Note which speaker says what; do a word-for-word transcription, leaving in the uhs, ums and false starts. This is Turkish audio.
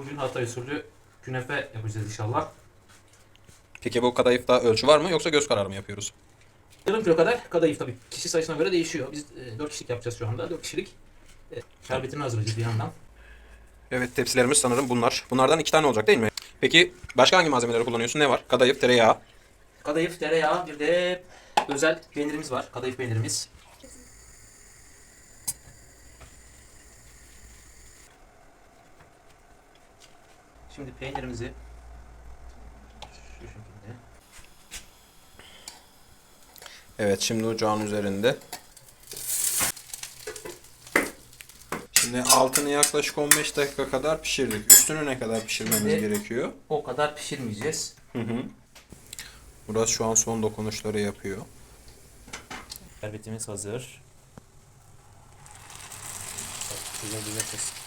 Speaker 1: Bugün Hatay usulü künefe yapacağız inşallah.
Speaker 2: Peki bu kadayıfta ölçü var mı yoksa göz kararı mı yapıyoruz?
Speaker 1: Yarım kilo kadar kadayıf, tabii kişi sayısına göre değişiyor. Biz e, dört kişilik yapacağız şu anda. dört kişilik. E, şerbetini hazırlayacağız bir yandan.
Speaker 2: Evet, tepsilerimiz sanırım bunlar. Bunlardan iki tane olacak değil mi? Peki başka hangi malzemeleri kullanıyorsun? Ne var? Kadayıf, tereyağı.
Speaker 1: Kadayıf, tereyağı, bir de özel peynirimiz var. Kadayıf peynirimiz. Şimdi peynirimizi şu şekilde.
Speaker 2: Evet, şimdi ocağın üzerinde. Şimdi altını yaklaşık on beş dakika kadar pişirdik. Üstünü ne kadar pişirmemiz
Speaker 1: Şimdi
Speaker 2: gerekiyor?
Speaker 1: o kadar pişirmeyeceğiz.
Speaker 2: Hı hı. Murat şu an son dokunuşları yapıyor.
Speaker 1: Şerbetimiz hazır. Güzel bir nefes.